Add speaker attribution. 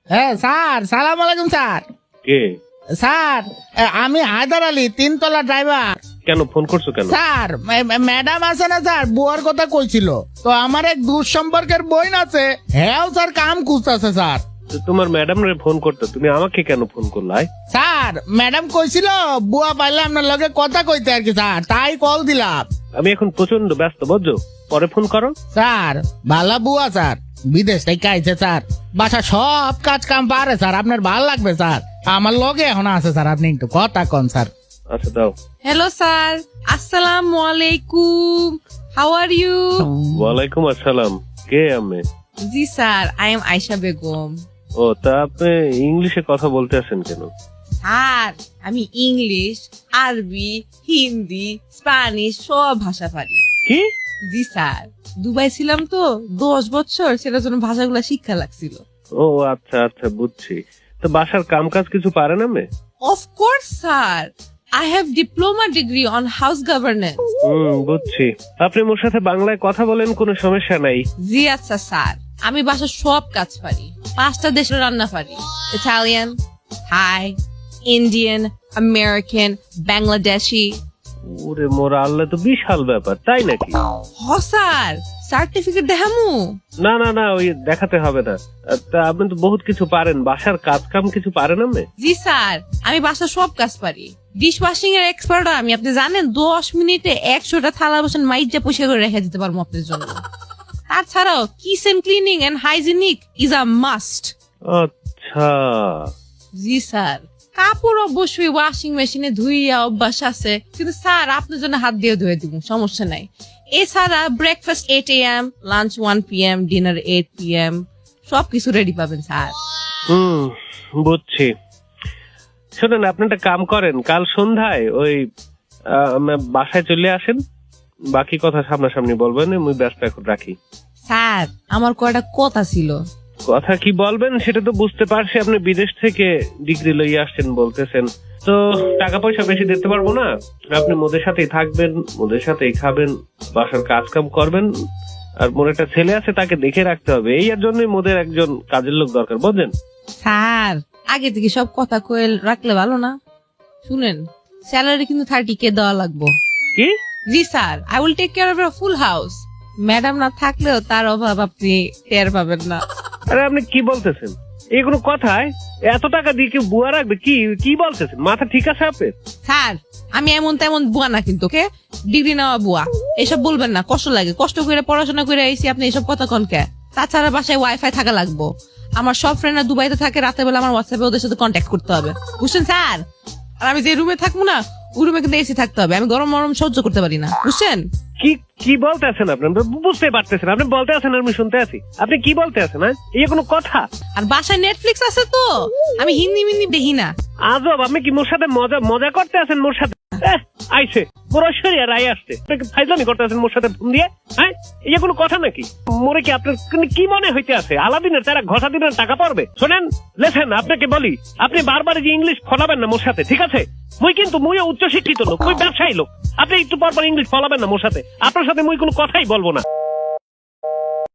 Speaker 1: হ্যাঁ স্যার, সালাম আলাইকুম স্যার।
Speaker 2: কে?
Speaker 1: স্যার আমি হায়দার আলী, 3 তলা ড্রাইভার।
Speaker 2: কেন ফোন করছো কেন?
Speaker 1: স্যার ম্যাডাম আছে না স্যার, বুয়ার কথা কইছিল। তো আমার এক দূর সম্পর্কের বোন আছে, হ্যাঁ স্যার কাম খুঁজতেছে স্যার।
Speaker 2: তো তোমার ম্যাডাম রে ফোন করতে তুমি আমাকে কেন ফোন করলাই?
Speaker 1: স্যার ম্যাডাম কইছিল বুয়া পাইলে আপনার লগে কথা কইতে আর কি স্যার, তাই কল দিলাম।
Speaker 2: আমি এখন প্রচন্ড ব্যস্ত, বুঝছো? পরে ফোন করো।
Speaker 1: স্যার ভালো বুয়া স্যার, বিদেশ থেকে আইছে স্যার, বাসা সব কাজ কাম পারে স্যার, আপনার ভালো লাগবে স্যার। আমার লগে এখন আছে স্যার, আপনি একটু কথা কন স্যার।
Speaker 2: আচ্ছা দাও।
Speaker 3: হ্যালো স্যার, আসসালামু আলাইকুম, হাউ আর ইউ?
Speaker 2: ওয়ালাইকুম আসসালাম। কে আমি?
Speaker 3: জি sir, I am Ayesha Begum.
Speaker 2: ও, তা আপনি ইংলিশে কথা বলতে আসেন কেন?
Speaker 3: স্যার আমি ইংলিশ, আরবি, হিন্দি, স্প্যানিশ সব ভাষা পারি।
Speaker 2: কি?
Speaker 3: জি স্যার, দুবাই ছিলাম তো 10 বছর, সেটার জন্য ভাষাগুলো শিক্ষা লাগছিল।
Speaker 2: ও আচ্ছা আচ্ছা, বুঝছি। তো বাসার কাম কাজ কিছু পারেন আমি?
Speaker 3: Of course sir, I have diploma degree on house governance.
Speaker 2: বুঝছি। আপনি মোর সাথে বাংলায় কথা বলেন, কোনো সমস্যা নাই।
Speaker 3: জি আচ্ছা স্যার, আমি বাসার সব কাজ পারি, 5টা দেশের রান্না পারি, Italian, Thai, Indian, American, Bangladeshi.
Speaker 2: ওরে মোর আল্লাহ, তো বিশাল ব্যাপার, তাই নাকি?
Speaker 3: হ স্যার, সার্টিফিকেট দেখামু?
Speaker 2: না না না, ওই দেখাতে হবে না। তা আপনি তো বহুত কিছু পারেন, বাসার কাজ কাম কিছু পারেন আমি?
Speaker 3: জি স্যার, আমি বাসার সব কাজ পারি, ডিশ ওয়াশিং এর এক্সপার্ট আমি। আপনি জানেন 10 মিনিটে 100টা থালা বাসন মাইজা পরিষ্কার করে রেখে দিতে পারবো আপনার জন্য। তাছাড়াও kitchen cleaning and hygienic is a must.
Speaker 2: আচ্ছা।
Speaker 3: জি স্যার, কাপড় অবশ্যই ওয়াশিং মেশিনে ধুইয়া অভ্যাস আছে, কিন্তু স্যার আপনার জন্য হাত দিয়ে ধুয়ে দিব, সমস্যা নাই। এছাড়া breakfast 8 AM, lunch 1 PM, dinner 8 PM, সবকিছু রেডি পাবেন স্যার।
Speaker 2: বুঝছি। শোনেন, আপনি একটা কাম করেন, কাল সন্ধ্যায় ওই বাসায় চলে আসেন, বাকি কথা সামনাসামনি বলবেন। আমি ব্যস্ত এখন, রাখি।
Speaker 3: স্যার আমার কয়টা কথা ছিল।
Speaker 2: কথা কি বলবেন সেটা তো বুঝতে পারছি, আপনি বিদেশ থেকে ডিগ্রি লইয়া আসছেন বলতেছেন, তো টাকা পয়সা বেশি দিতে পারবো না। আপনি মোদের সাথেই থাকবেন, মোদের সাথেই খাবেন, বাসার কাজ কাম করবেন, আর মোর একটা ছেলে আছে তাকে দেখে রাখতে হবে। এই এর জন্যই মোদের একজন কাজের লোক দরকার, বুঝলেন?
Speaker 3: স্যার আগে থেকে সব কথা কয়ে রাখলে ভালো না? শুনেন, স্যালারি কিন্তু 30K দেওয়া লাগবে।
Speaker 2: কি?
Speaker 3: জি sir, I will take care of your full house. Madam না থাকলেও তার অভাব আপনি টের পাবেন না।
Speaker 2: আরে আপনি কি বলতেছেন? এই কোনো কথায় এত টাকা দিয়ে কেউ বুয়া রাখবে? কি কি বলতেছেন? মাথা ঠিক আছে আপনার?
Speaker 3: স্যার আমি এমন তেমন বুয়া না কিন্তু, ওকে? ডিগ্রি নেওয়া বুয়া, এসব বলবেন না, কষ্ট লাগে। কষ্ট করে পড়াশোনা করে আইছি, আপনি এসব কথা কোন কে? তাছাড়া বাসায় ওয়াইফাই থাকা লাগবো। আমার সব ফ্রেন্ডরা দুবাইতে থাকে, রাতে বেলা আমার হোয়াটসঅ্যাপে ওদের সাথে কন্ট্যাক্ট করতে হবে, বুঝছেন স্যার? আর আমি যে রুমে থাকবো না, ওই রুমে কিন্তু এসি থাকতে হবে, আমি গরম গরম সহ্য করতে পারি না, বুঝছেন?
Speaker 2: কি কি বলতে আছেন আপনি? বুঝতে পারতেছেন? আপনি বলতে আছেন আর আমি শুনতে আছি। আপনি কি বলতে আছেন? এই কোনো কথা?
Speaker 3: আর বাসায় নেটফ্লিক্স আছে তো, আমি হিন্দি মিন্দি দেখি না।
Speaker 2: আজব, আপনি কি মোর সাথে মজা করতে আছেন? মোর সাথে আইছে বড়শ্বরী আর আই আসছে, ফাইজলামি করতে আছেন মোর সাথে ফোন দিয়ে? হ্যাঁ, এই কোনো কথা নাকি? মোরে কি আপনার কি মনে হইতে আছে আলাদিনের তারা ঘষা দিনের টাকা পড়বে? শোনেন, লেখেন, আপনাকে বলি, আপনি বারবার যে ইংলিশ ফলাবেন না মোর সাথে, ঠিক আছে? মুইও উচ্চ শিক্ষিত লোক, মুই ব্যবসায়ী লোক। আপনি একটু পর ইংলিশ ফলাবেন না মোর সাথে। আপনার সাথে মুই কোনো কথাই বলবো না।